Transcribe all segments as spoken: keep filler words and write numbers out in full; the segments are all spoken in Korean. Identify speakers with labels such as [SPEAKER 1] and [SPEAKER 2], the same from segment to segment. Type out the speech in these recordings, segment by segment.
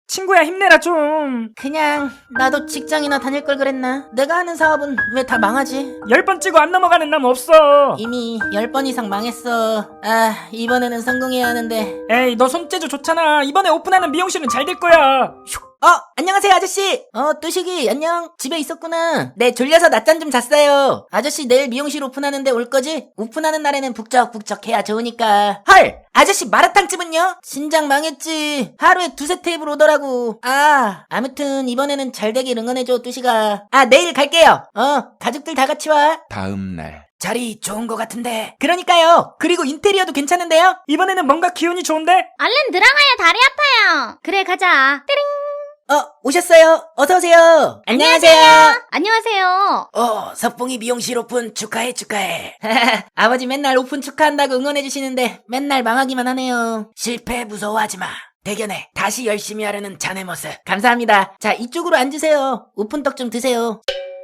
[SPEAKER 1] 친구야 힘내라 좀.
[SPEAKER 2] 그냥 나도 직장이나 다닐 걸 그랬나? 내가 하는 사업은 왜 다 망하지?
[SPEAKER 1] 열 번 찍고 안 넘어가는 남 없어.
[SPEAKER 2] 이미 열 번 이상 망했어. 아, 이번에는 성공해야 하는데.
[SPEAKER 1] 에이 너 손재주 좋잖아. 이번에 오픈하는 미용실은 잘 될 거야.
[SPEAKER 2] 어, 안녕하세요 아저씨. 어, 뚜식이 안녕. 집에 있었구나. 네, 졸려서 낮잠 좀 잤어요. 아저씨 내일 미용실 오픈하는데 올 거지? 오픈하는 날에는 북적북적 해야 좋으니까. 헐, 아저씨 마라탕집은요? 진작 망했지. 하루에 두세 테이블 오더라고. 아, 아무튼 이번에는 잘 되길 응원해줘 뚜식아. 아, 내일 갈게요. 어, 가족들 다 같이 와.
[SPEAKER 3] 다음 날.
[SPEAKER 2] 자리 좋은 거 같은데. 그러니까요. 그리고 인테리어도 괜찮은데요?
[SPEAKER 1] 이번에는 뭔가 기운이 좋은데?
[SPEAKER 4] 얼른 들어가야 다리 아파요. 그래, 가자. 띠링.
[SPEAKER 2] 어, 오셨어요. 어서오세요. 안녕하세요.
[SPEAKER 4] 안녕하세요.
[SPEAKER 2] 어, 석봉이 미용실 오픈 축하해 축하해. 아버지 맨날 오픈 축하한다고 응원해주시는데 맨날 망하기만 하네요. 실패 무서워하지 마. 대견해. 다시 열심히 하려는 자네 모습. 감사합니다. 자, 이쪽으로 앉으세요. 오픈떡 좀 드세요.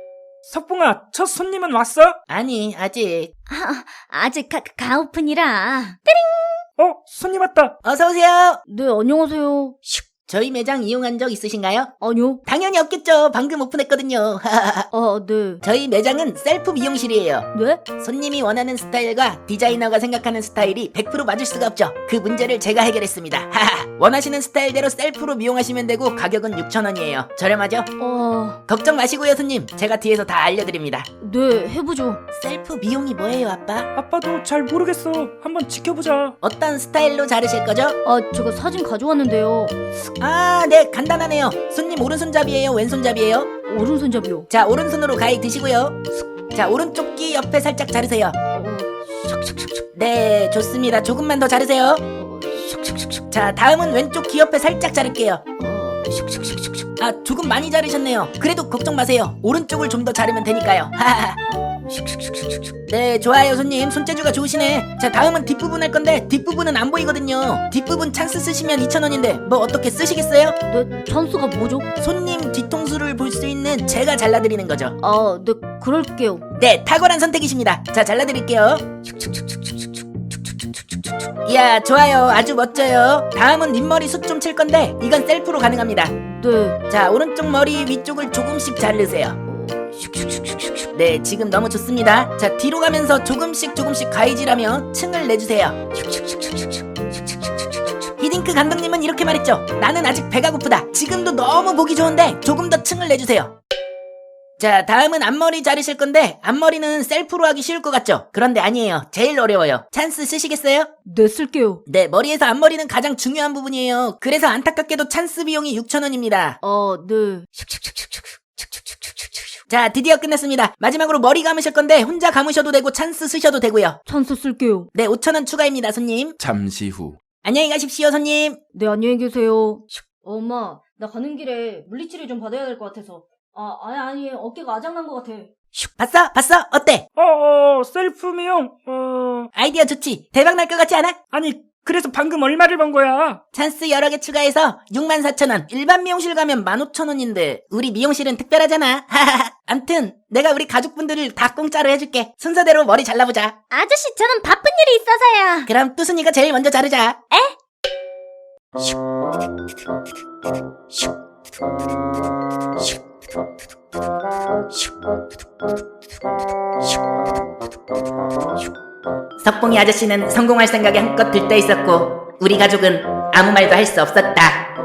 [SPEAKER 1] 석봉아 첫 손님은 왔어?
[SPEAKER 2] 아니, 아직.
[SPEAKER 4] 아, 아직 가, 가오픈이라.
[SPEAKER 1] 어 손님 왔다.
[SPEAKER 2] 어서오세요.
[SPEAKER 4] 네, 안녕하세요. 슉.
[SPEAKER 2] 저희 매장 이용한 적 있으신가요?
[SPEAKER 4] 아니요.
[SPEAKER 2] 당연히 없겠죠. 방금 오픈했거든요.
[SPEAKER 4] 아, 네.
[SPEAKER 2] 저희 매장은 셀프 미용실이에요.
[SPEAKER 4] 네?
[SPEAKER 2] 손님이 원하는 스타일과 디자이너가 생각하는 스타일이 백 퍼센트 맞을 수가 없죠. 그 문제를 제가 해결했습니다. 원하시는 스타일대로 셀프로 미용하시면 되고 가격은 육천 원이에요. 저렴하죠?
[SPEAKER 4] 어,
[SPEAKER 2] 걱정 마시고요 손님. 제가 뒤에서 다 알려드립니다.
[SPEAKER 4] 네, 해보죠.
[SPEAKER 2] 셀프 미용이 뭐예요 아빠?
[SPEAKER 1] 아빠도 잘 모르겠어. 한번 지켜보자.
[SPEAKER 2] 어떤 스타일로 자르실 거죠?
[SPEAKER 4] 아, 제가 사진 가져왔는데요.
[SPEAKER 2] 아, 네, 간단하네요. 손님 오른손잡이에요 왼손잡이에요?
[SPEAKER 4] 오른손잡이요.
[SPEAKER 2] 자, 오른손으로 가위 드시고요. 자, 오른쪽 귀 옆에 살짝 자르세요.
[SPEAKER 4] 어, 샥샥샥샥.
[SPEAKER 2] 네, 좋습니다. 조금만 더 자르세요.
[SPEAKER 4] 어, 샥샥샥샥.
[SPEAKER 2] 자, 다음은 왼쪽 귀 옆에 살짝 자를게요.
[SPEAKER 4] 어, 샥샥샥샥.
[SPEAKER 2] 아, 조금 많이 자르셨네요. 그래도 걱정 마세요. 오른쪽을 좀 더 자르면 되니까요. 하하하.
[SPEAKER 4] 샥샥샥샥.
[SPEAKER 2] 네, 좋아요 손님. 손재주가 좋으시네. 자, 다음은 뒷부분 할 건데 뒷부분은 안 보이거든요. 뒷부분 찬스 쓰시면 이천 원인데 뭐 어떻게 쓰시겠어요?
[SPEAKER 4] 네, 찬스가 뭐죠?
[SPEAKER 2] 손님 뒤통수를 볼 수 있는 제가 잘라드리는 거죠.
[SPEAKER 4] 아, 네, 그럴게요.
[SPEAKER 2] 네, 탁월한 선택이십니다. 자, 잘라드릴게요. 이야, 좋아요. 아주 멋져요. 다음은 윗머리 숱 좀 칠 건데 이건 셀프로 가능합니다.
[SPEAKER 4] 네.
[SPEAKER 2] 자, 오른쪽 머리 위쪽을 조금씩 자르세요.
[SPEAKER 4] 어, 슉슉슉슉슉.
[SPEAKER 2] 네, 지금 너무 좋습니다. 자, 뒤로 가면서 조금씩 조금씩 가위질하며 층을 내주세요. 히딩크 감독님은 이렇게 말했죠. 나는 아직 배가 고프다. 지금도 너무 보기 좋은데 조금 더 층을 내주세요. 자, 다음은 앞머리 자르실 건데 앞머리는 셀프로 하기 쉬울 것 같죠? 그런데 아니에요. 제일 어려워요. 찬스 쓰시겠어요?
[SPEAKER 4] 네, 쓸게요.
[SPEAKER 2] 네, 머리에서 앞머리는 가장 중요한 부분이에요. 그래서 안타깝게도 찬스 비용이 육천 원입니다.
[SPEAKER 4] 아, 네.
[SPEAKER 2] 자, 드디어 끝냈습니다. 마지막으로 머리 감으실 건데 혼자 감으셔도 되고 찬스 쓰셔도 되고요.
[SPEAKER 4] 찬스 쓸게요.
[SPEAKER 2] 네, 오천 원 추가입니다, 손님.
[SPEAKER 3] 잠시 후.
[SPEAKER 2] 안녕히 가십시오, 손님.
[SPEAKER 4] 네, 안녕히 계세요. 엄마, 나 가는 길에 물리치료 좀 받아야 될 것 같아서. 아, 아니, 아니, 어깨가 아작난 것 같아.
[SPEAKER 2] 봤어? 봤어? 어때?
[SPEAKER 1] 어어 셀프 미용. 어
[SPEAKER 2] 아이디어 좋지? 대박 날 것 같지 않아?
[SPEAKER 1] 아니 그래서 방금 얼마를 번 거야?
[SPEAKER 2] 찬스 여러 개 추가해서 육만 사천 원. 일반 미용실 가면 만 오천 원인데 우리 미용실은 특별하잖아. 암튼 내가 우리 가족분들을 다 공짜로 해줄게. 순서대로 머리 잘라보자.
[SPEAKER 4] 아저씨, 저는 바쁜 일이 있어서요.
[SPEAKER 2] 그럼 뚜순이가 제일 먼저 자르자. 석봉이 아저씨는 성공할 생각에 한껏 들떠 있었고 우리 가족은 아무 말도 할 수 없었다.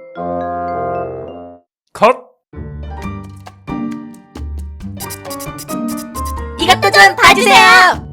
[SPEAKER 1] 컷.
[SPEAKER 2] 이것도 좀 봐주세요.